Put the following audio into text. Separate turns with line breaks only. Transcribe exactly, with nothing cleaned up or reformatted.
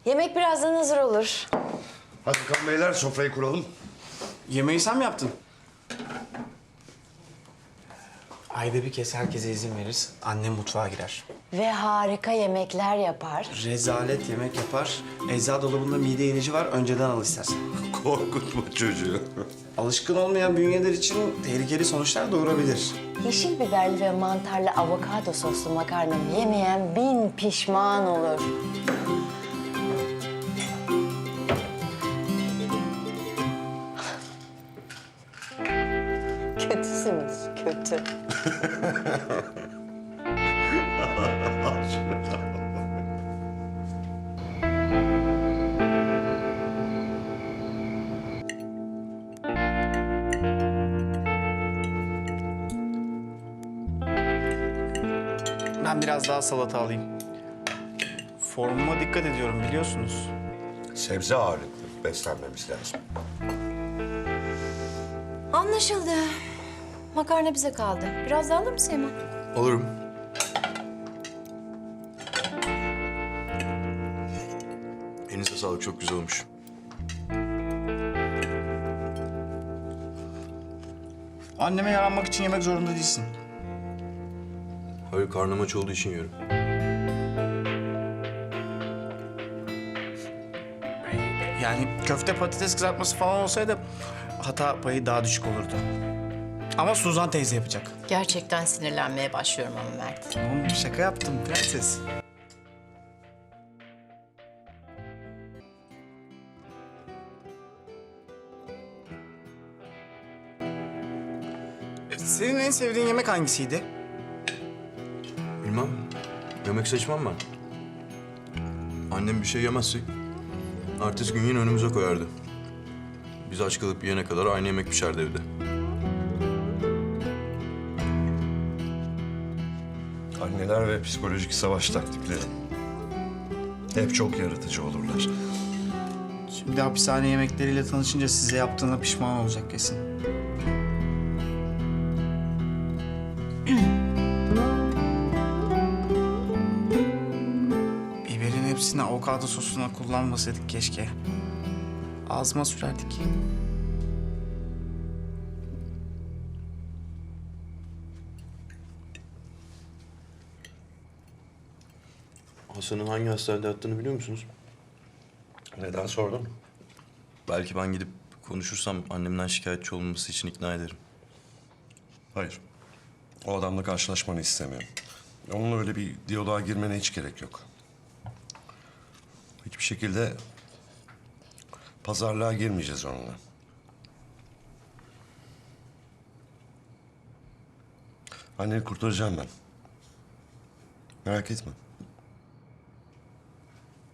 Yemek birazdan hazır olur.
Hadi bakalım beyler, sofrayı kuralım.
Yemeği sen mi yaptın? Ayda bir kez herkese izin veririz. Annem mutfağa girer.
Ve harika yemekler yapar.
Rezalet yemek yapar. Eczacı dolabında mide ilacı var. Önceden al istersen.
Korkutma çocuğu.
Alışkın olmayan bünyeler için tehlikeli sonuçlar doğurabilir.
Yeşil biberli ve mantarlı avokado soslu makarnamı yemeyen bin pişman olur. Kötüsünüz, kötü.
Ben biraz daha salata alayım. Formuma dikkat ediyorum biliyorsunuz.
Sebze ağırlıklı beslenmemiz lazım.
Anlaşıldı. Makarna bize kaldı. Biraz daha alır mısın Seyman?
Alırım. Elinize sağlık, çok güzel olmuş.
Anneme yaranmak için yemek zorunda değilsin.
Hayır, karnım aç olduğu için yiyorum.
Yani köfte patates kızartması falan olsaydı hata payı daha düşük olurdu. Ama Suzan teyze yapacak.
Gerçekten sinirlenmeye başlıyorum ama Mert.
Tamam, şaka yaptım prenses. Senin en sevdiğin yemek hangisiydi?
Bilmem, yemek seçmem ben. Annem bir şey yemezse ertesi gün yine önümüze koyardı. Biz aç kalıp yiyene kadar aynı yemek pişerdi evde.
Anneler ve psikolojik savaş taktikleri. Hep çok yaratıcı olurlar.
Şimdi hapishane yemekleriyle tanışınca size yaptığına pişman olacak kesin. Biberin hepsini avokado sosuna kullanmasaydık keşke. Ağzıma sürerdik.
Hasan'ın hangi hastanede yattığını biliyor musunuz?
Neden sordun?
Belki ben gidip konuşursam annemden şikayetçi olmaması için ikna ederim.
Hayır. O adamla karşılaşmanı istemiyorum. Onunla öyle bir diyaloğa girmene hiç gerek yok. Hiçbir şekilde pazarlığa girmeyeceğiz onunla. Anneni kurtaracağım ben. Merak etme.